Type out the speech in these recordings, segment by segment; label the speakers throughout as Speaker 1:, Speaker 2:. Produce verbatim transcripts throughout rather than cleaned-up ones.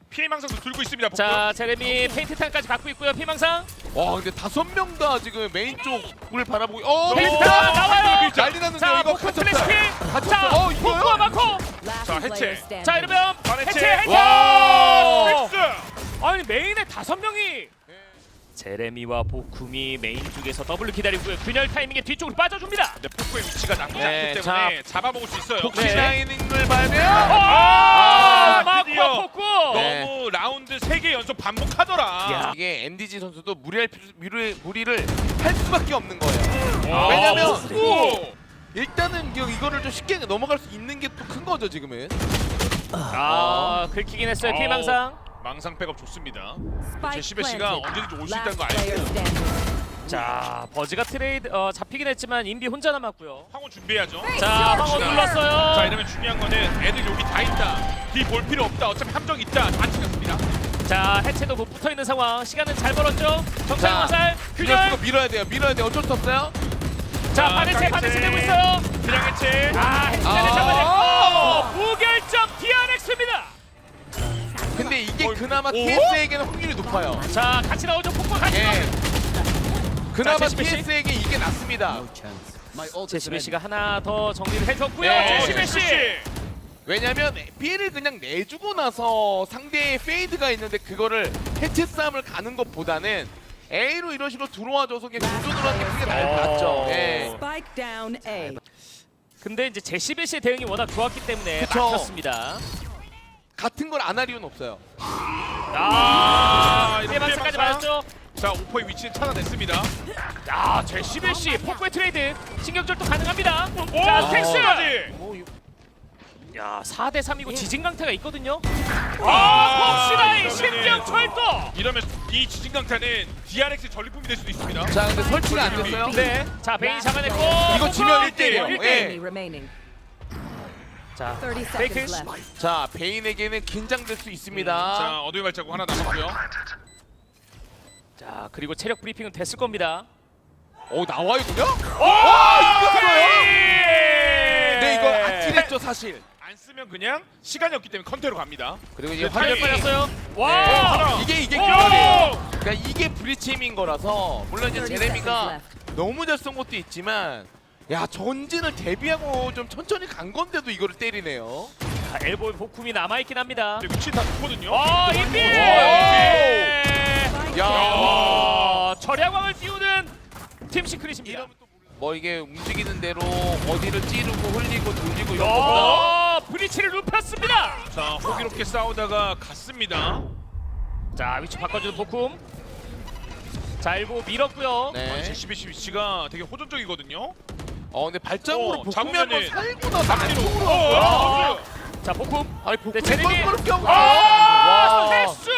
Speaker 1: 피해망상도 들고 있습니다. 복구.
Speaker 2: 자 제레미 페인트 탄까지 갖고 있고요. 피망상.
Speaker 3: 와 근데 다섯 명 다 지금 메인 쪽을 바라보고 어
Speaker 2: 페인트
Speaker 3: 페인트
Speaker 2: 탄 나와요.
Speaker 3: 난리 났는데
Speaker 2: 자
Speaker 3: 이거
Speaker 2: 복구 플래시
Speaker 3: 갇혔어요.
Speaker 2: 킬. 자
Speaker 3: 어, 이거요?
Speaker 2: 복구가 많고.
Speaker 1: 자 해체.
Speaker 2: 자 이러면
Speaker 1: 반해체.
Speaker 2: 해체 해체.
Speaker 3: 와.
Speaker 1: 픽스.
Speaker 2: 아니 메인에 다섯 명이. 제레미와 보쿰이 메인 쪽에서 더블을 기다리고요. 균열 타이밍에 뒤쪽으로 빠져줍니다.
Speaker 1: 근데 폭구의 위치가 나쁘지
Speaker 3: 네,
Speaker 1: 않기 때문에 잡아먹을 수 있어요.
Speaker 3: 복시
Speaker 2: 네.
Speaker 3: 라이닝을 봐면
Speaker 2: 아,
Speaker 1: 아, 드디어.
Speaker 2: 마쿠와 복구.
Speaker 3: 네.
Speaker 1: 너무 라운드 세 개 연속 반복하더라.
Speaker 2: 야.
Speaker 3: 이게 엠디지 선수도 무리할 필요- 무리, 무리를 할 수밖에 없는 거예요.
Speaker 1: 아,
Speaker 3: 왜냐면
Speaker 1: 복구.
Speaker 3: 일단은 이- 이거를 좀 쉽게 넘어갈 수 있는 게 또 큰 거죠 지금은.
Speaker 2: 아 긁히긴 했어요.
Speaker 1: 어.
Speaker 2: 피망상.
Speaker 1: 망상 백업 좋습니다.
Speaker 4: Spike
Speaker 1: 제시베 씨가
Speaker 4: planted.
Speaker 1: 언제든지 올 수 있다는
Speaker 4: Last
Speaker 1: 거
Speaker 4: player
Speaker 1: 알고
Speaker 4: standing.
Speaker 2: 자 버즈가 트레이드 어, 잡히긴 했지만 인비 혼자 남았고요.
Speaker 1: 황호 준비해야죠.
Speaker 2: 자 황혼 눌렀어요.
Speaker 1: 자 이러면 중요한 거는 애들 여기 다 있다. 뒤 볼 필요 없다. 어차피 함정 있다. 다 챙겼습니다.
Speaker 2: 자 해체도 못 붙어 있는 상황. 시간은 잘 벌었죠. 정상
Speaker 3: 자,
Speaker 2: 화살
Speaker 3: 균열
Speaker 2: 균열.
Speaker 3: 쓰고 밀어야 돼요. 밀어야 돼요. 어쩔 수 없어요.
Speaker 2: 자
Speaker 1: 자,
Speaker 2: 반해체
Speaker 1: 해체.
Speaker 2: 반해체 되고 있어요.
Speaker 1: 그냥 해체.
Speaker 2: 아 해체를
Speaker 3: 아.
Speaker 2: 잡아냈고 무결점 디알엑스입니다.
Speaker 3: 근데 이게
Speaker 1: 어,
Speaker 3: 그나마
Speaker 1: 오?
Speaker 3: 티에스에게는 확률이 높아요.
Speaker 2: 자 같이 나오죠. 폭포 같이
Speaker 3: 예.
Speaker 2: 나오죠.
Speaker 3: 그나마
Speaker 2: 자, 제시베 씨.
Speaker 3: 티에스에게 이게 낫습니다.
Speaker 2: 제시베 씨가 하나 더 정리를 해줬고요.
Speaker 3: 네.
Speaker 2: 제시베 씨.
Speaker 3: 왜냐면 B를 그냥 내주고 나서 상대의 페이드가 있는데 그거를 해체 싸움을 가는 것보다는 A로 이런 식으로 들어와줘서 그냥 교전으로 하는 게 크게 나-
Speaker 2: 어.
Speaker 3: 낫죠. 예.
Speaker 4: Spike down A.
Speaker 2: 근데 이제 제시베 씨의 대응이 워낙 좋았기 때문에
Speaker 3: 그쵸.
Speaker 2: 막혔습니다.
Speaker 3: 같은 걸 안 할 이유는 없어요.
Speaker 2: 아,
Speaker 1: 이렇게
Speaker 2: 피해망상까지
Speaker 1: 피해망상.
Speaker 2: 맞았죠.
Speaker 1: 자 오퍼의 위치는 찾아냈습니다.
Speaker 2: 아, 제시베 씨 폭포의 트레이드 신경절도 가능합니다.
Speaker 1: 오,
Speaker 2: 자, 스택스.
Speaker 1: 까지.
Speaker 3: 뭐, 이-
Speaker 2: 야, 사 대 삼이고 지진강타가 있거든요.
Speaker 1: 아,
Speaker 2: 아, 폭시라인
Speaker 1: 이러면은-
Speaker 2: 신경 철도.
Speaker 1: 이러면 이 지진강타는 디알엑스 전리품이 될 수도 있습니다.
Speaker 3: 자 근데 설치가 안 됐어요.
Speaker 2: 네. 자, 베인이 잡아냈고.
Speaker 3: 이거 지면 일
Speaker 1: 대 일이에요.
Speaker 3: 대일이에요.
Speaker 2: 일 대 일.
Speaker 3: 예.
Speaker 4: Enemy remaining.
Speaker 2: 자,
Speaker 4: thirty
Speaker 2: 페이크.
Speaker 4: seconds left.
Speaker 3: 자 베인에게는 긴장될 수 있습니다.
Speaker 1: 자 어둠의 발자국 하나 남았고요.
Speaker 2: 자, 그리고 체력 브리핑은 됐을 겁니다.
Speaker 3: 오 나와요 그냥?
Speaker 2: 와,
Speaker 3: 이겼어요?
Speaker 2: 네,
Speaker 3: 네 이거 아찔했죠 사실.
Speaker 1: 안 쓰면 그냥 시간이 없기 때문에 컨테로 갑니다.
Speaker 3: 그리고 이제
Speaker 1: 네,
Speaker 3: 화면이
Speaker 1: 타이밍.
Speaker 2: 빠졌어요.
Speaker 3: 네,
Speaker 2: 와!
Speaker 1: 하나.
Speaker 3: 이게 이게
Speaker 2: 오!
Speaker 3: 균열이에요. 그러니까 이게 브리치임인 거라서 물론 이제
Speaker 4: thirty
Speaker 3: 제레미가
Speaker 4: seconds left.
Speaker 3: 너무 잘 쏜 것도 있지만 야 전진을 대비하고 좀 천천히 간 건데도 이거를 때리네요.
Speaker 2: 자, 엘보 보쿰이 남아 있긴 합니다.
Speaker 1: 근데 위치 다 좋거든요.
Speaker 2: 아, 인비!
Speaker 3: 야.
Speaker 2: 야, 철야광을 띄우는 팀 시크릿입니다.
Speaker 3: 이러면 또 뭐 이게 움직이는 대로 어디를 찌르고 흘리고 돌리고 이런 거보다
Speaker 2: 야, 브리치를 눕혔습니다.
Speaker 1: 자 호기롭게 싸우다가 갔습니다.
Speaker 2: 자, 위치 바꿔주는 보쿰. 자, 엘보 밀었고요.
Speaker 3: 네.
Speaker 1: 제시비씨 위치가 되게 호전적이거든요.
Speaker 3: 어 근데 발작으로
Speaker 1: 어,
Speaker 3: 복음이 한번
Speaker 1: 잡으면은-
Speaker 3: 살고 나서
Speaker 1: 앞뒤로.
Speaker 3: 안쪽으로
Speaker 1: 어,
Speaker 3: 왔어요.
Speaker 1: 어,
Speaker 2: 자, 보쿰.
Speaker 3: 아니 복음이
Speaker 2: 네, 제레미.
Speaker 3: 뻘뻘 껴고
Speaker 2: 아,
Speaker 3: 와.
Speaker 2: 헬스!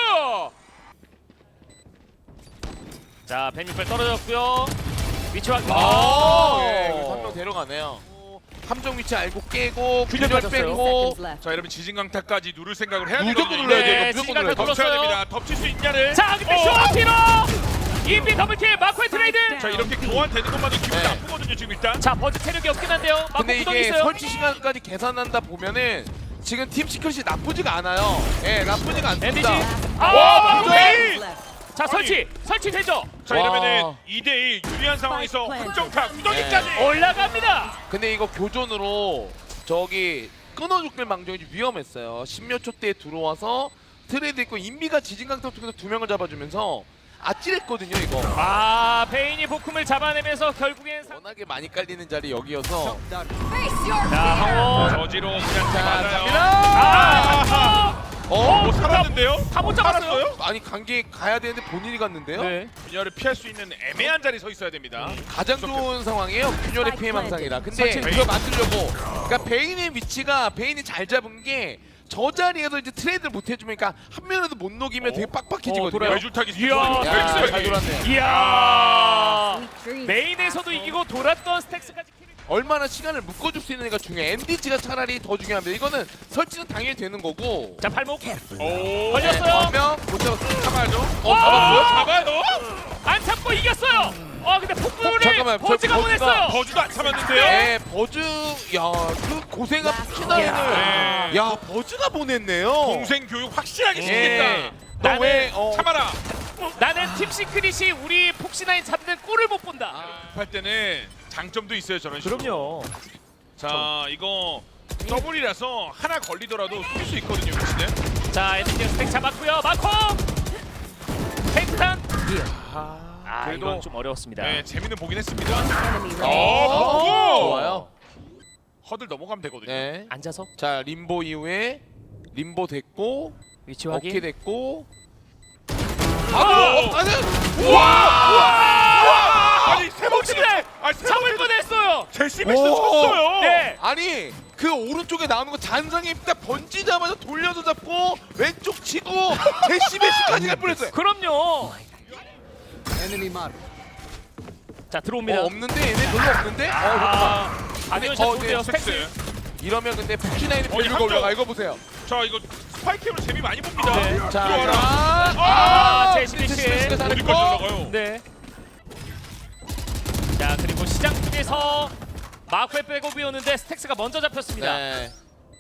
Speaker 2: 자, 벤유펠 떨어졌고요. 위치 확인.
Speaker 3: 아,
Speaker 2: 오!
Speaker 3: 예, 이거 한 명 데려가네요. 함정 위치 알고 깨고
Speaker 2: 균열
Speaker 3: 균열
Speaker 2: 빠졌어요.
Speaker 3: 빼고
Speaker 4: Seconds left.
Speaker 1: 자 이러면 지진강타까지 누를 생각을 해야
Speaker 3: 무조건
Speaker 1: 되거든요.
Speaker 3: 눌러야 돼요.
Speaker 2: 네,
Speaker 3: 무조건
Speaker 2: 지진강타
Speaker 3: 눌러야 돼요.
Speaker 1: 덮쳐야
Speaker 2: 눌렀어요.
Speaker 1: 됩니다. 덮칠 수 있냐를.
Speaker 2: 자, 근데
Speaker 1: 어.
Speaker 2: 쇼티로 인비 더블킬 마코의 트레이드.
Speaker 1: 자 이렇게 교환되는 것만도 기분이
Speaker 3: 네.
Speaker 1: 나쁘거든요 지금 일단.
Speaker 2: 자, 버즈 체력이 없긴 한데요. 마코
Speaker 3: 근데
Speaker 2: 구덩이
Speaker 3: 이게
Speaker 2: 있어요.
Speaker 3: 설치 시간까지 계산한다 보면은 지금 팀 시크릿이 나쁘지가 않아요. 예, 나쁘지가
Speaker 2: 엠디지.
Speaker 3: 않습니다.
Speaker 2: 아,
Speaker 1: 와,
Speaker 2: 마코
Speaker 1: 마코의!
Speaker 2: 페인! 자, 설치. 설치 되죠.
Speaker 1: 자
Speaker 3: 와.
Speaker 1: 이러면은 이 대 일 유리한 상황에서 확정타 구덩이까지.
Speaker 3: 네.
Speaker 2: 올라갑니다.
Speaker 3: 근데 이거 교전으로 저기 끊어죽길 망정이 위험했어요. 십몇 초 때 들어와서 트레이드 있고 인비가 지진강타 쪽에서 두 명을 잡아주면서 아찔했거든요 이거.
Speaker 2: 아, 베인이 보쿰을 잡아내면서 결국엔 상...
Speaker 3: 워낙에 많이 깔리는 자리 여기여서.
Speaker 2: 자, 황호.
Speaker 1: 저지로 그냥
Speaker 3: 자,
Speaker 1: 맞아요.
Speaker 3: 갑니다.
Speaker 2: 아,
Speaker 3: 어?
Speaker 1: 못 살았는데요?
Speaker 2: 다 못 잡았어요.
Speaker 3: 아니 관계 가야 되는데 본인이 갔는데요?
Speaker 2: 네.
Speaker 1: 균열을 피할 수 있는 애매한 자리 서 있어야 됩니다.
Speaker 3: 가장 좋은 상황이에요. 균열의 피해 망상이라. 근데
Speaker 2: 설치.
Speaker 3: 이거 만들려고 그러니까 베인의 위치가 베인이 잘 잡은 게 저 자리에서 이제 트레이드를 못 해주니까 한 명이라도 못 녹이면
Speaker 1: 어?
Speaker 3: 되게
Speaker 2: 어,
Speaker 3: 빡빡해지거든요.
Speaker 2: 돌아요.
Speaker 1: 외줄타기
Speaker 2: 이야.
Speaker 3: 야, 잘 돌았네요.
Speaker 2: 이야.
Speaker 4: Dreams.
Speaker 2: 메인에서도 이기고 돌았던 스택스까지 킬을.
Speaker 3: 얼마나 시간을 묶어줄 수 있는가 중요해. 엠디지가 차라리 더 중요합니다. 이거는 설치는 당연히 되는 거고.
Speaker 2: 자, 발목
Speaker 1: 오.
Speaker 2: 걸렸어요.
Speaker 3: 한명못 잡았어요.
Speaker 1: 잡아야죠.
Speaker 3: 어,
Speaker 2: 와!
Speaker 3: 잡았어요?
Speaker 1: 잡아요.
Speaker 2: 안 참고 이겼어요. 아 근데 폭풍이
Speaker 3: 잠깐만, 저
Speaker 2: 버즈가
Speaker 3: 버즈가-
Speaker 2: 보냈어요.
Speaker 1: 버즈도 안 참았는데요.
Speaker 3: 네, 버즈 야그 고생한 푸시나인을
Speaker 1: 네.
Speaker 3: 야 버즈가 보냈네요.
Speaker 1: 동생 교육 확실하게 시키겠다.
Speaker 3: 예. 너왜 어,
Speaker 1: 참아라.
Speaker 2: 나는 팀 시크릿이 우리 폭신아인 잡는 꼴을 못 본다.
Speaker 1: 할 때는 장점도 있어요 저런 식으로.
Speaker 2: 그럼요.
Speaker 1: 자 이거 더블이라서 하나 걸리더라도 쏠 수 있거든요 위치는.
Speaker 2: 자 에너지 스택 잡았고요. 마코 탱탄. 아
Speaker 1: 그래도-
Speaker 2: 이건 좀 어려웠습니다.
Speaker 1: 네 재미는 보긴 했습니다.
Speaker 4: Enemy
Speaker 1: 어,
Speaker 4: remaining.
Speaker 1: 어,
Speaker 3: 좋아요.
Speaker 1: 허들 넘어가면 되거든요.
Speaker 3: 네.
Speaker 2: 앉아서
Speaker 3: 자 림보 이후에 림보 됐고
Speaker 2: 위치
Speaker 3: 어깨
Speaker 2: 확인.
Speaker 3: 됐고.
Speaker 1: 아,
Speaker 3: 아, 아니,
Speaker 1: 아니 세 번째.
Speaker 2: 폭신아인
Speaker 1: 아니 세
Speaker 2: 잡을
Speaker 1: 번째
Speaker 2: 뻔했어요.
Speaker 1: 제시 베스
Speaker 3: 오.
Speaker 1: 쳤어요.
Speaker 2: 네.
Speaker 3: 아니 그 오른쪽에 나오는 거 잔상이 딱 번지자마자 돌려서 잡고 왼쪽 치고 제시베시까지 갈 뻔했어요.
Speaker 2: 그럼요. 자 들어옵니다.
Speaker 3: 어, 없는데 얘네 별로 없는데? 어,
Speaker 2: 아, 아니요, 잘
Speaker 3: 어,
Speaker 2: 좋은데요.
Speaker 3: 네,
Speaker 2: 스택스.
Speaker 1: 섹스.
Speaker 3: 이러면 근데 푸시나인이
Speaker 1: 어,
Speaker 3: 빌리고
Speaker 1: 이거
Speaker 3: 올라가.
Speaker 1: 함정.
Speaker 3: 이거 보세요.
Speaker 1: 자 이거 스파이크로 재미 많이 봅니다.
Speaker 2: 네.
Speaker 3: 자,
Speaker 1: 들어와라.
Speaker 3: 자,
Speaker 2: 아,
Speaker 3: 아,
Speaker 2: 제시베시.
Speaker 3: 제시베시가 잘했고.
Speaker 1: 어디까지 올라가요?
Speaker 2: 네. 자 그리고 시장 쪽에서 마코의 백업이 오는데 스택스가 먼저 잡혔습니다.
Speaker 3: 네.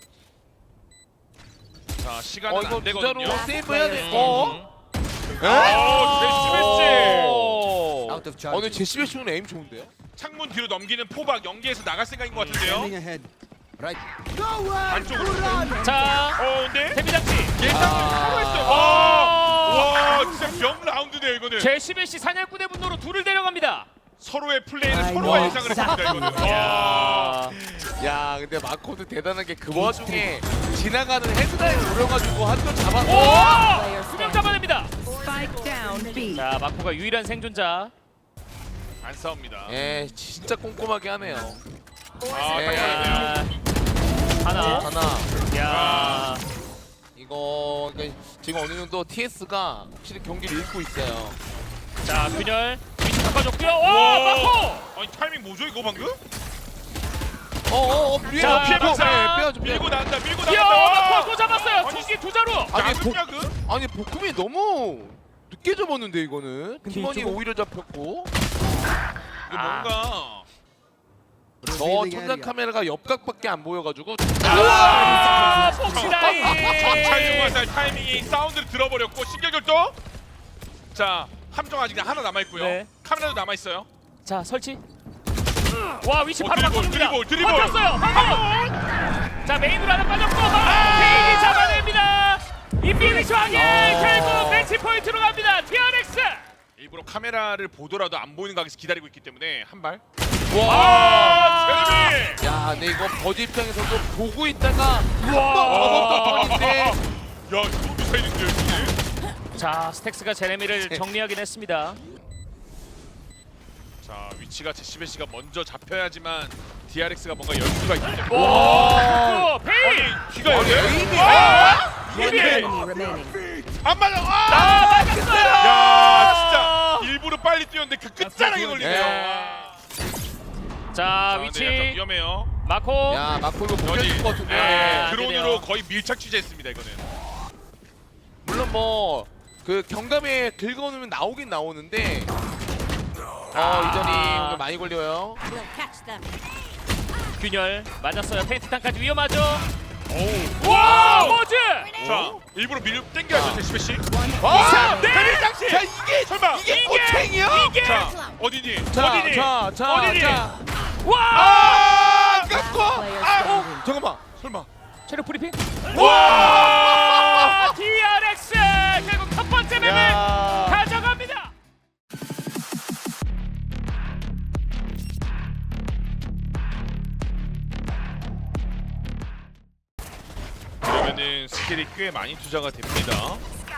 Speaker 1: 자 시간은
Speaker 3: 어 이거
Speaker 1: 안 되거든요.
Speaker 3: 부자로 세이브해야 돼.
Speaker 2: 음.
Speaker 3: 어? 에?
Speaker 1: 아,
Speaker 3: 오.
Speaker 5: Out of
Speaker 3: 어,
Speaker 5: charge.
Speaker 3: 근데 제시베시는 에임 좋은데요?
Speaker 1: 창문 뒤로 넘기는 포박 연계에서 나갈 생각인 것 같은데요.
Speaker 5: Standing ahead. Right.
Speaker 1: 안쪽으로.
Speaker 2: 자
Speaker 1: 어 근데
Speaker 2: 데뷔장치.
Speaker 1: 예상을
Speaker 3: 아.
Speaker 1: 하고 했어요.
Speaker 2: 아.
Speaker 1: 와, 와 진짜 명 라운드네요 이거는.
Speaker 2: 제시베시 사냥꾼의 분노로 둘을 데려갑니다.
Speaker 1: 서로의 플레이는
Speaker 4: 아이고.
Speaker 1: 서로가 예상을 했습니다 이거는. 와.
Speaker 2: 야.
Speaker 3: 야, 근데 마코도 대단한 게 그 와중에 지나가는 헤드라인 노려가지고 한 점 잡았고.
Speaker 2: 오! 수명 잡아냅니다.
Speaker 4: Spike down B.
Speaker 2: 자 마코가 유일한 생존자.
Speaker 1: 안 싸웁니다.
Speaker 3: 예, 진짜 꼼꼼하게 하네요.
Speaker 1: 아,
Speaker 3: 예.
Speaker 1: 딱
Speaker 2: 야. 하나.
Speaker 3: 하나.
Speaker 2: 야.
Speaker 3: 이거 그러니까 지금 어느 정도 티에스가 확실히 경기를 읽고 있어요.
Speaker 2: 자 균열 위치 바꿔줬고요. 와 마코.
Speaker 1: 아니 타이밍 뭐죠 이거 방금?
Speaker 3: 어어어,
Speaker 2: 자,
Speaker 3: 피해
Speaker 2: 피해
Speaker 3: 박사.
Speaker 2: 박사.
Speaker 3: 빼야죠,
Speaker 1: 밀고
Speaker 3: 빼야죠.
Speaker 1: 나간다 밀고
Speaker 2: 뛰어
Speaker 1: 나간다.
Speaker 2: 마코 또 잡았어요.
Speaker 1: 아니,
Speaker 2: 총기 두 자루.
Speaker 3: 아니, 복,
Speaker 1: 야구냐 그?
Speaker 3: 아니 복금이 너무 늦게 접었는데 이거는 팀원이
Speaker 2: 이쪽은-
Speaker 3: 오히려 잡혔고.
Speaker 1: 이거
Speaker 2: 아.
Speaker 1: 뭔가.
Speaker 3: 저
Speaker 5: Revealing
Speaker 3: 천장
Speaker 5: area.
Speaker 3: 카메라가 옆각밖에 안 보여가지고.
Speaker 2: 아 폭시다이.
Speaker 1: 전차용 화살 타이밍이 사운드를 들어버렸고 신경절도. 자 함정 아직 하나 남아 있고요.
Speaker 2: 네.
Speaker 1: 카메라도 남아 있어요.
Speaker 2: 자 설치. 와 위치
Speaker 1: 어,
Speaker 2: 바로
Speaker 1: 드리블,
Speaker 2: 바꿔줍니다.
Speaker 1: 드리블, 드리블.
Speaker 2: 바뀌었어요. 한번. 자 메인으로 하나 빠졌고 페인이 잡아냅니다. 이 피니시 확인. 결국 매치 포인트로 갑니다. 티알엑스.
Speaker 1: 일부러 카메라를 보더라도 안 보이는 각에서 기다리고 있기 때문에 한 발.
Speaker 3: 와.
Speaker 1: 아 제레미.
Speaker 3: 야, 근데 이거 버즈 입장에서도 보고 있다가
Speaker 2: 와.
Speaker 3: 접었던 턴인데.
Speaker 1: 야 이거 미사일인데요 이게.
Speaker 2: 자 스택스가 제레미를 정리하긴 했습니다.
Speaker 1: 자 위치가 제시베시가 먼저 잡혀야지만 디알엑스가 뭔가 열 수가 있기 때문에.
Speaker 2: 와. 페인.
Speaker 1: 아니 귀가 열려?
Speaker 3: 에임이
Speaker 4: One
Speaker 1: 이게
Speaker 4: enemy remaining.
Speaker 1: 안 맞아. 아!
Speaker 2: 아 맞았어요.
Speaker 1: 야 진짜 일부러 빨리 뛰었는데 그 끝자락에 걸리네요.
Speaker 3: 네.
Speaker 2: 자
Speaker 1: 자, 근데 약간
Speaker 2: 위치
Speaker 1: 위험해요.
Speaker 2: 마코.
Speaker 3: 야, 마코 이거
Speaker 1: 여기
Speaker 3: 못해줄 것 같은데.
Speaker 1: 네,
Speaker 2: 아,
Speaker 1: 드론으로
Speaker 2: 되네요.
Speaker 1: 거의 밀착 취재했습니다 이거는.
Speaker 3: 물론 뭐 그 경감에 긁어놓으면 나오긴 나오는데. 어,
Speaker 2: 아.
Speaker 3: 이전이 많이 걸려요.
Speaker 2: 균열 맞았어요. 페인트탄까지 위험하죠.
Speaker 1: 오우.
Speaker 2: 와 버즈.
Speaker 1: 자 일부러 밀 땡겨야죠 제시베시.
Speaker 3: 와!
Speaker 2: 네.
Speaker 1: 대리장치.
Speaker 3: 자, 이게
Speaker 1: 설마.
Speaker 3: 이게 꼬챙이야?
Speaker 2: 이게.
Speaker 1: 자 어디니?
Speaker 3: 자,
Speaker 1: 어디니?
Speaker 3: 자, 자,
Speaker 1: 어디니?
Speaker 3: 자.
Speaker 2: 와.
Speaker 3: 아, 깎고.
Speaker 4: Player
Speaker 3: 아,
Speaker 4: standing.
Speaker 3: 잠깐만.
Speaker 1: 설마.
Speaker 2: 체력 브리핑.
Speaker 1: 와!
Speaker 2: 디알엑스 결국 첫 번째 맵을
Speaker 3: 야.
Speaker 2: 가져갑니다.
Speaker 1: 그러면은 스킬이 꽤 많이 투자가 됩니다.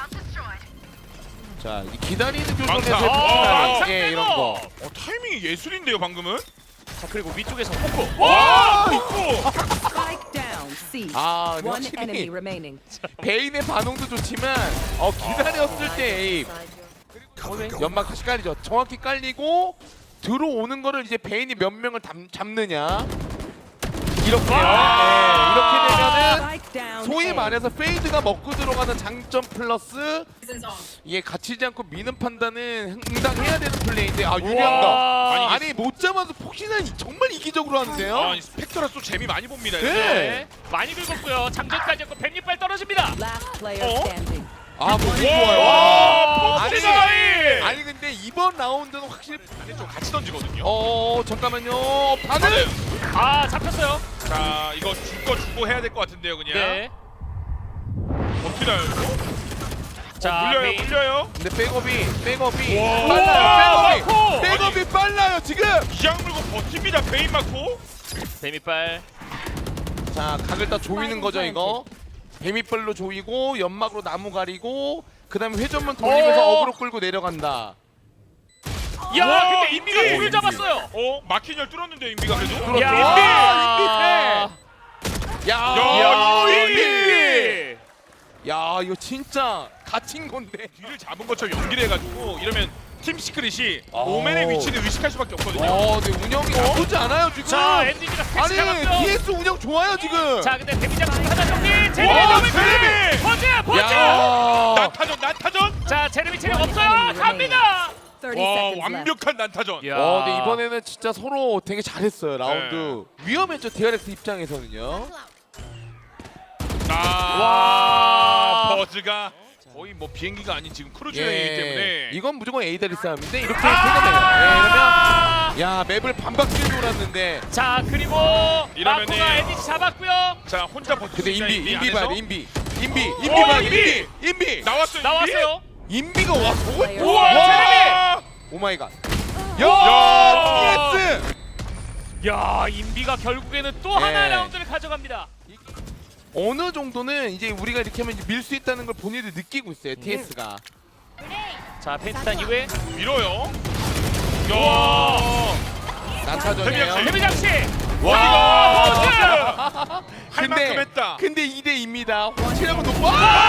Speaker 3: 자, 이 기다리는
Speaker 1: 망사.
Speaker 3: 조정에서
Speaker 1: 어,
Speaker 2: 망사
Speaker 3: 예, 이런
Speaker 2: 빼고.
Speaker 3: 거.
Speaker 1: 어 타이밍이 예술인데요 방금은.
Speaker 2: 자 그리고 위쪽에서 포코.
Speaker 1: 와! 고
Speaker 4: Spike down C.
Speaker 3: 아, 근데
Speaker 4: One enemy
Speaker 3: 확실히
Speaker 4: remaining.
Speaker 3: 베인의 반응도 좋지만 어 기다렸을 때 에임 연막 다시 깔리죠. 정확히 깔리고 들어오는 거를 이제 베인이 몇 명을 담, 잡느냐 이렇게요. 네, 이렇게 되면은
Speaker 4: Spike down.
Speaker 3: 소위
Speaker 4: A.
Speaker 3: 말해서 페이드가 먹고 들어가는 장점 플러스 이게 갇히지 않고 미는 판단은 응당해야 되는 플레이인데 아 유리한다.
Speaker 2: 우와.
Speaker 3: 아니 못 잡아서 폭신한 정말 이기적으로 하는데요.
Speaker 1: 아, 이 스펙터라 또 재미 많이 봅니다.
Speaker 3: 네.
Speaker 2: 네. 많이 긁었고요. 장전까지 했고 뱀잎발 떨어집니다.
Speaker 4: Last player
Speaker 1: Oh.
Speaker 4: standing.
Speaker 3: 아 몸이
Speaker 1: 와,
Speaker 3: 좋아요. 아니,
Speaker 1: 폭신하이!
Speaker 3: 아니 근데 이번 라운드는 확실히
Speaker 1: 근데 좀 같이 던지거든요.
Speaker 3: 어 잠깐만요. 반응.
Speaker 2: 아 잡혔어요.
Speaker 1: 자, 이거 줄 거 주고 해야 될 것 같은데요, 그냥.
Speaker 2: 네.
Speaker 1: 어떻게 나요, 이거?
Speaker 2: 자
Speaker 1: 물려요,
Speaker 2: 메인.
Speaker 1: 물려요.
Speaker 3: 근데 백업이 백업이
Speaker 1: 와.
Speaker 3: 빨라요.
Speaker 2: 마코!
Speaker 3: 백업이 백업이 빨라요 지금.
Speaker 1: 이양 물고 버팁니다, 베인 맞고.
Speaker 2: 뱀잎발.
Speaker 3: 자 각을 다 조이는 거죠 이거. 뱀이빨로 조이고 연막으로 나무 가리고 그다음에 회전문 돌리면서
Speaker 2: 어.
Speaker 3: 어그로 끌고 내려간다.
Speaker 2: 야
Speaker 1: 와,
Speaker 2: 근데 인비가
Speaker 1: 인비!
Speaker 2: 둘을 잡았어요.
Speaker 1: 어, 막힌 열 뚫었는데요, 인비가 그래도.
Speaker 3: 뚫었죠.
Speaker 2: 야
Speaker 3: 와, 인비 세. 야,
Speaker 1: 야,
Speaker 3: 인비.
Speaker 2: 인비.
Speaker 3: 야 이거 진짜 갇힌 건데.
Speaker 1: 뒤를 잡은 것처럼 연기를 해가지고 이러면 팀 시크릿이
Speaker 3: 오.
Speaker 1: 오맨의 위치를 의식할 수밖에 없거든요.
Speaker 3: 어, 근데 운영이 나쁘지 않아요 지금.
Speaker 2: 자 엔디지가 스택
Speaker 3: 아니
Speaker 2: 잡았고요.
Speaker 3: 디에스 운영 좋아요 지금.
Speaker 2: 자 근데 데뷔 장식 하나 정리.
Speaker 3: 와,
Speaker 2: 제레미 더블
Speaker 1: 제레미!
Speaker 2: 버즈 버즈.
Speaker 3: 야.
Speaker 1: 난타전, 난타전.
Speaker 2: 자 제레미 체력 없어요. 갑니다.
Speaker 4: thirty
Speaker 1: 와,
Speaker 4: seconds left.
Speaker 1: 완벽한 난타전.
Speaker 2: 야.
Speaker 3: 어, 근데 이번에는 진짜 서로 되게 잘했어요 라운드.
Speaker 1: 네.
Speaker 3: 위험했죠 디알엑스 입장에서는요.
Speaker 1: 아,
Speaker 2: 와.
Speaker 1: 버즈가 거의 뭐 비행기가 아닌 지금 크루즈 여행이기 때문에.
Speaker 3: 예. 이건 무조건 에이다리 싸움인데 이렇게
Speaker 2: 아!
Speaker 3: 되네요. 예, 이러면 야 맵을 반바퀴 돌았는데.
Speaker 2: 자 그리고
Speaker 1: 이러면은-
Speaker 2: 마코가 엔디지 잡았고요.
Speaker 1: 자, 혼자 버티고
Speaker 3: 근데
Speaker 1: 있는
Speaker 3: 인비 인비
Speaker 1: 안에서.
Speaker 3: 봐 인비 인비 인비
Speaker 1: 오,
Speaker 3: 봐
Speaker 1: 인비!
Speaker 3: 인비 인비
Speaker 1: 나왔어요, 인비?
Speaker 2: 나왔어요.
Speaker 3: 인비가 와 저거
Speaker 2: 우와,
Speaker 1: 와!
Speaker 3: 오마이갓.
Speaker 1: 야!
Speaker 3: 야 티에스.
Speaker 2: 야 인비가 결국에는 또
Speaker 3: 네.
Speaker 2: 하나의 라운드를 가져갑니다.
Speaker 3: 어느 정도는 이제 우리가 이렇게 하면 밀 수 있다는 걸 본인들 느끼고 있어요 티에스가.
Speaker 2: 자 펜스탄 이후에
Speaker 1: 밀어요.
Speaker 2: 와.
Speaker 1: 야!
Speaker 3: 난타전이에요.
Speaker 1: 데뷔
Speaker 2: 데뷔 장식.
Speaker 1: 와!
Speaker 2: 버즈.
Speaker 1: 할 만큼 했다.
Speaker 3: 근데 이 대 이입니다. 확실하고 높아.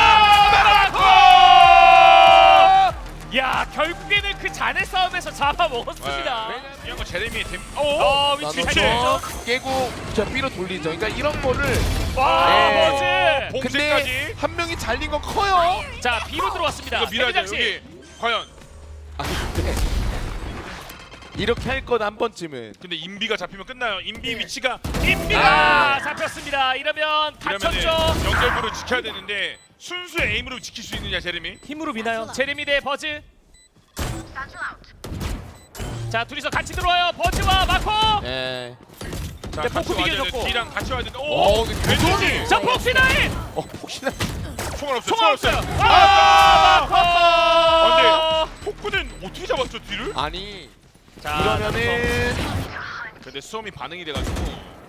Speaker 2: 야 결국에는 그 잔의 싸움에서 잡아먹었습니다.
Speaker 1: 네. 이런 거 제레미의 댐.
Speaker 2: 어 위치
Speaker 1: 위치.
Speaker 2: 잘
Speaker 3: 나눠서 깨고 저 B로 돌리죠. 그러니까 이런 거를
Speaker 2: 와
Speaker 3: 네.
Speaker 2: 버즈.
Speaker 1: 봉쇄까지.
Speaker 3: 근데 한 명이 잘린 건 커요.
Speaker 2: 자 B로 들어왔습니다.
Speaker 1: 이거 밀어야
Speaker 2: 데뷔
Speaker 1: 돼.
Speaker 2: 장식.
Speaker 1: 여기 과연.
Speaker 3: 아니 근데 이렇게 할 건 한 번쯤은.
Speaker 1: 근데 인비가 잡히면 끝나요. 인비 위치가
Speaker 2: 인비가 잡혔습니다. 이러면
Speaker 1: 이러면은
Speaker 2: 다쳤죠.
Speaker 1: 연결부를 지켜야 되는데 순수 에임으로 지킬 수 있느냐 제레미?
Speaker 2: 힘으로 미나요? 제레미 대 버즈. 자 둘이서 같이 들어와요. 버즈와 마코.
Speaker 3: 예.
Speaker 1: 자,
Speaker 2: 네,
Speaker 1: 같이
Speaker 2: 포크
Speaker 1: 와야
Speaker 2: 비교줬고.
Speaker 1: 돼. D랑 같이 와야 되는데.
Speaker 3: 어,
Speaker 1: 오!
Speaker 3: 근데
Speaker 1: 왼쪽이!
Speaker 3: 도전이-
Speaker 2: 자 폭시나인.
Speaker 3: 어 혹시나.
Speaker 1: 총알 없어요.
Speaker 2: 총알 없어요.
Speaker 1: 아!
Speaker 2: 아 마코.
Speaker 1: 포크는 어떻게 잡았죠 뒤를?
Speaker 3: 아니
Speaker 2: 자
Speaker 3: 이러면은
Speaker 1: 근데 수험이 반응이 돼가지고.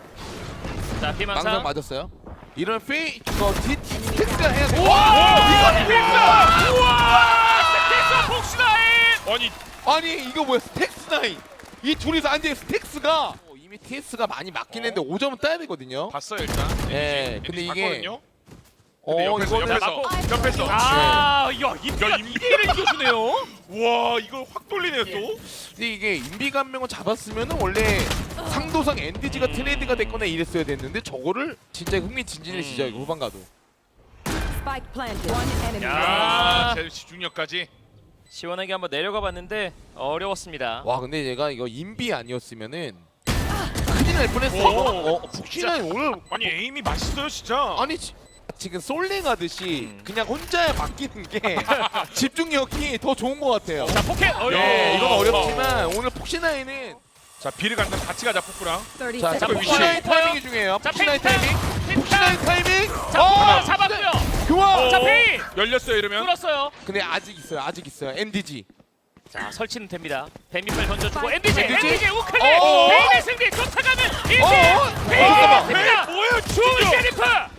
Speaker 2: 자
Speaker 3: 망상
Speaker 2: 피망상.
Speaker 3: 맞았어요. 이런 페이 이거 디 스택스가 해야 돼.
Speaker 2: 와
Speaker 3: 이거
Speaker 2: 스택스. 우와 스택스 폭시나인.
Speaker 1: 아니
Speaker 3: 아니 이거 뭐야 스택스 나인. 이 둘이서 앉아 스택스가 어, 이미 티에스가 많이 맞긴 했는데 오 점은 따야 되거든요.
Speaker 1: 봤어요 일단.
Speaker 3: 예,
Speaker 1: 엔지
Speaker 3: 근데 이게-
Speaker 1: 봤거든요.
Speaker 3: 어
Speaker 1: 근데 옆에서
Speaker 3: 이거는
Speaker 1: 옆에서 옆에서.
Speaker 2: 아, 야,
Speaker 1: 야,
Speaker 2: 인비가
Speaker 1: 인비.
Speaker 2: 이 대일을 이겨주네요.
Speaker 1: 와 이걸 확 돌리네요 또.
Speaker 3: 근데 이게 인비가 한 명을 잡았으면은 원래 상도상 엔디지가 트레이드가 됐거나 이랬어야 됐는데 저거를 진짜 흥미진진해지죠 이거 후반 가도.
Speaker 4: Spike planted. One enemy.
Speaker 2: 야.
Speaker 1: 아,
Speaker 2: 아.
Speaker 1: 제 집중력까지.
Speaker 2: 시원하게 한번 내려가 봤는데 어려웠습니다.
Speaker 3: 와 근데 얘가 이거 인비 아니었으면은 큰일 날 뻔했어.
Speaker 1: 오.
Speaker 3: 어, 북신이 오늘
Speaker 1: 아니 에임이 맛있어요 진짜.
Speaker 3: 아니 지, 지금 솔랭하듯이
Speaker 2: 음.
Speaker 3: 그냥 혼자 맡기는 게 집중력이 더 좋은 것 같아요.
Speaker 2: 자 포켓. 어,
Speaker 3: 네,
Speaker 2: 야.
Speaker 3: 이건 어렵지만 오늘 폭신아이는
Speaker 1: 자 비를 간다면 같이 가자 포크랑.
Speaker 4: thirty
Speaker 3: 자,
Speaker 4: seconds
Speaker 1: 위치.
Speaker 3: 폭신아이
Speaker 4: left.
Speaker 3: 타이밍이 중요해요.
Speaker 2: 자
Speaker 3: 폭신아이
Speaker 2: 펜타.
Speaker 3: 타이밍.
Speaker 2: 펜타.
Speaker 3: 폭신아이 타이밍.
Speaker 2: 자
Speaker 3: 어,
Speaker 2: 하나 잡았고요.
Speaker 3: 좋아.
Speaker 2: 자 페인
Speaker 1: 열렸어요 이러면.
Speaker 2: 뚫었어요.
Speaker 3: 근데 아직 있어요. 아직 있어요. 엔디지.
Speaker 2: 자 설치는 됩니다. 뱀밑발 던져주고 엔디지
Speaker 3: 엔디지?
Speaker 2: 엔디지 우클릭.
Speaker 3: 어.
Speaker 2: 페인의 승리 쫓아가는 인디.
Speaker 3: 어, 어.
Speaker 2: 페인의
Speaker 3: 잠깐만.
Speaker 2: 승리다.
Speaker 1: 뭐예요
Speaker 2: 좋은
Speaker 1: 진짜.
Speaker 2: 셰리프.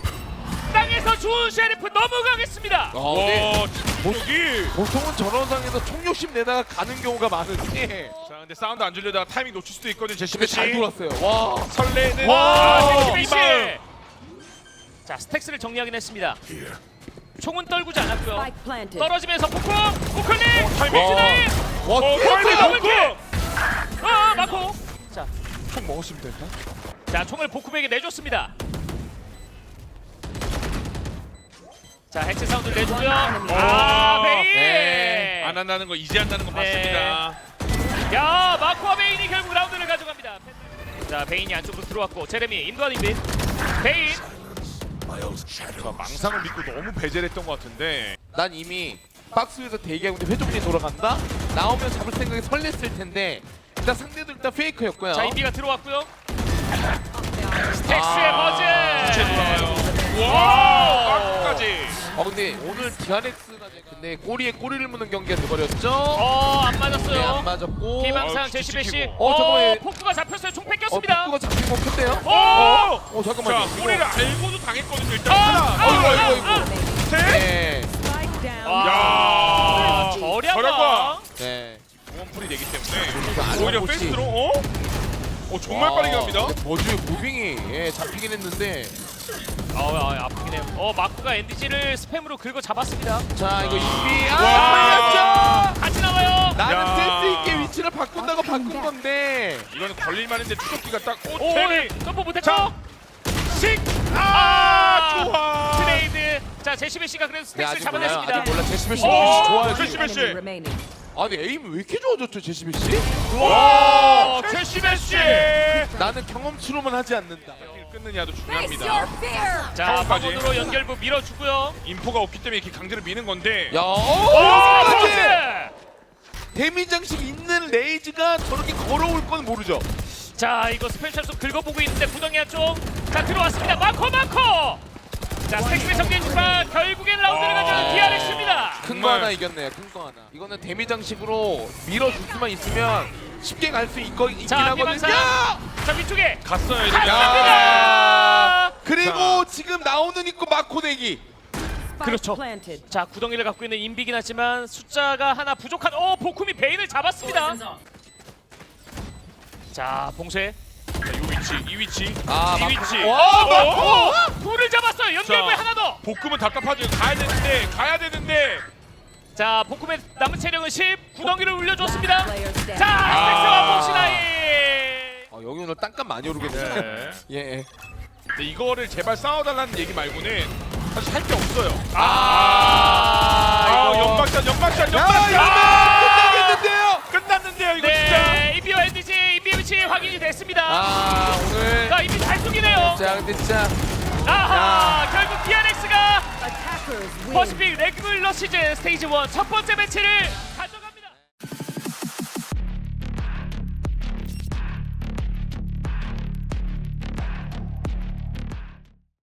Speaker 2: 땅에서 좋은 셰리프 넘어가겠습니다.
Speaker 3: 어, 근데
Speaker 1: 와 집중력이.
Speaker 3: 보통은 저런 상에서 총욕심 내다가 가는 경우가 많은데
Speaker 1: 자 근데 사운드 안 줄려다가 타이밍 놓칠 수도 있거든요 제시베
Speaker 3: 근데
Speaker 1: 씨.
Speaker 3: 잘 돌았어요. 와.
Speaker 1: 설레는.
Speaker 2: 와
Speaker 1: 아,
Speaker 2: 제시베 씨.
Speaker 1: 이발.
Speaker 2: 자 스택스를 정리하긴 했습니다. 총은 떨구지 않았고요.
Speaker 4: Spike planted.
Speaker 2: 떨어지면서 포크 우클릭.
Speaker 1: 타이밍.
Speaker 2: 폭신아인.
Speaker 3: 와,
Speaker 1: 어,
Speaker 3: 티에스
Speaker 1: 타이밍
Speaker 3: 너무
Speaker 1: 포크.
Speaker 2: 아 마코. 자,
Speaker 3: 총 먹었으면 된다.
Speaker 2: 자 총을 복쿰에게 내줬습니다. 자 해체 사운드 내주고요. 아 메인.
Speaker 3: 네.
Speaker 1: 안 한다는 거 이제 한다는 거
Speaker 2: 네.
Speaker 1: 맞습니다.
Speaker 2: 야 마코와 베인이 결국 라운드를 가져갑니다. 자 베인이 안쪽으로 들어왔고 제레미 인도한 인빈. 베인.
Speaker 1: 자, 망상을 믿고 너무 배제했던 것 같은데.
Speaker 3: 난 이미 박스 위에서 대기하고 있는데 회전이 돌아간다? 나오면 잡을 생각이 설렜을 텐데 일단 상대도 일단 페이크였고요.
Speaker 2: 자 인비가 들어왔고요. 스택스의
Speaker 3: 아,
Speaker 2: 버즈.
Speaker 1: 주체 돌아가요.
Speaker 2: 와우.
Speaker 1: 와, 까지.
Speaker 3: 어 근데 오늘 디아렉스가 근데 꼬리에 꼬리를 무는 경기가 돼버렸죠?
Speaker 2: 어안
Speaker 3: 네,
Speaker 2: 맞았어요.
Speaker 3: 안 맞았고
Speaker 2: 희망상
Speaker 1: 어,
Speaker 2: 제시베 씨.
Speaker 1: 지키고.
Speaker 3: 어, 저거에-
Speaker 2: 포크가 잡혔어요. 총
Speaker 3: 어,
Speaker 2: 뺏겼습니다.
Speaker 3: 뚜가 잡힌 거 큰데요?
Speaker 2: 오!
Speaker 3: 어 잠깐만요.
Speaker 1: 자, 꼬리를 알고도 당했거든요. 일단
Speaker 2: 아,
Speaker 1: 하나,
Speaker 2: 아,
Speaker 3: 어이구
Speaker 2: 아,
Speaker 3: 어이구
Speaker 2: 아,
Speaker 3: 어이구.
Speaker 1: 셋.
Speaker 3: 네.
Speaker 4: Spike down.
Speaker 2: 와.
Speaker 1: 야.
Speaker 2: 저렴아.
Speaker 1: 저렴아.
Speaker 3: 네.
Speaker 1: 원풀이 되기 때문에
Speaker 3: 안
Speaker 1: 오히려
Speaker 3: 먹었지.
Speaker 1: 페이스로 어? 어 정말 빠르게 갑니다.
Speaker 3: 버즈의 무빙이 예, 잡히긴 했는데
Speaker 2: 아, 아, 아프긴 해요. 어, 마크가 엔디지를 스팸으로 긁어 잡았습니다.
Speaker 3: 자 이거 인비
Speaker 1: 와.
Speaker 3: 아 걸렸죠?
Speaker 2: 같이 나와요.
Speaker 3: 나는
Speaker 1: 야.
Speaker 3: 센스 있게 위치를 바꾼다고 바꾼 건데
Speaker 1: 이거는 걸릴만한데 추적기가 딱
Speaker 2: 오,
Speaker 1: 오, 테리.
Speaker 2: 점프 못했죠?
Speaker 1: 식.
Speaker 2: 아,
Speaker 1: 아, 좋아.
Speaker 2: 트레이드. 자, 제시베 씨가 그래도
Speaker 3: 네,
Speaker 2: 스택스
Speaker 3: 아직 몰라요.
Speaker 2: 잡아냈습니다.
Speaker 3: 아직 몰라. 제시베 씨
Speaker 1: 오,
Speaker 3: 좋아요.
Speaker 1: 제시- 제시베 씨.
Speaker 4: Enemy remaining.
Speaker 3: 아니 에임 왜 이렇게 좋아졌죠 제시베 씨?
Speaker 1: 와, 제시베 씨.
Speaker 3: 나는 경험치로만 하지 않는다.
Speaker 1: 끊느냐도
Speaker 4: Face
Speaker 1: 중요합니다.
Speaker 4: your fear.
Speaker 2: 자,
Speaker 1: 처음까지.
Speaker 2: 방문으로 연결부 밀어주고요.
Speaker 1: 인포가 없기 때문에 이렇게 강제로 미는 건데.
Speaker 3: 야,
Speaker 2: 오,
Speaker 3: 오,
Speaker 2: 포즈!
Speaker 3: 데미 장식 있는 레이즈가 저렇게 걸어올 건 모르죠.
Speaker 2: 자, 이거 스페셜도 긁어보고 있는데 구덩이 한쪽. 자, 들어왔습니다. 마코 마코. 자, 스택스의 정리해주지만 결국엔 라운드를 가져가는 디아렉스입니다.
Speaker 3: 큰 거
Speaker 1: 정말.
Speaker 3: 하나 이겼네요. 큰 거 하나. 이거는 데미 장식으로 밀어줄 수만 있으면 쉽게 갈 수 있긴
Speaker 2: 자,
Speaker 3: 하거든요.
Speaker 2: 비방사. 자, 위쪽에.
Speaker 1: 갔어요. 이제.
Speaker 2: 갔습니다.
Speaker 3: 그리고 지금 나오는 입고 마코 내기.
Speaker 4: Spike
Speaker 2: 그렇죠.
Speaker 4: planted.
Speaker 2: 자, 구덩이를 갖고 있는 인비긴 하지만 숫자가 하나 부족한. 오, 보쿰이 베인을 잡았습니다. 자, 봉쇄.
Speaker 1: 자, 이 위치, 이 위치,
Speaker 3: 아,
Speaker 1: 이
Speaker 3: 막-
Speaker 1: 위치.
Speaker 3: 와,
Speaker 1: 어, 어.
Speaker 2: 불을 잡았어요. 연결부에
Speaker 1: 자.
Speaker 2: 하나 더.
Speaker 1: 볶음은 답답하죠. 가야 되는데, 가야 되는데.
Speaker 2: 자, 보쿰의 남은 체력은 십. 구덩이를 울려줬습니다.
Speaker 4: Player standing.
Speaker 2: 자, 스택스와
Speaker 1: 아.
Speaker 2: 봉시나이.
Speaker 3: 어, 여기 오늘 땅값 많이 오르겠네요.
Speaker 1: 네.
Speaker 3: 예.
Speaker 1: 근데 이거를 제발 싸워달라는 얘기 말고는 사실 할 게 없어요.
Speaker 2: 아,
Speaker 1: 아,
Speaker 3: 이거.
Speaker 1: 연막샷, 연막샷,
Speaker 3: 야,
Speaker 1: 연막샷.
Speaker 3: 이거 끝나겠는데요.
Speaker 1: 끝났는데요, 이거 진짜.
Speaker 2: 네, 이비와 엔디지 인비의 위치 확인이 됐습니다.
Speaker 3: 아, 오늘
Speaker 2: 자, 이비 잘 쏘기네요.
Speaker 3: 자, 근데 진짜
Speaker 2: 아하, 결국 디아렉스가
Speaker 4: Attackers win.
Speaker 2: 퍼시픽 레귤러 시즌 스테이지 일 첫 번째 매치를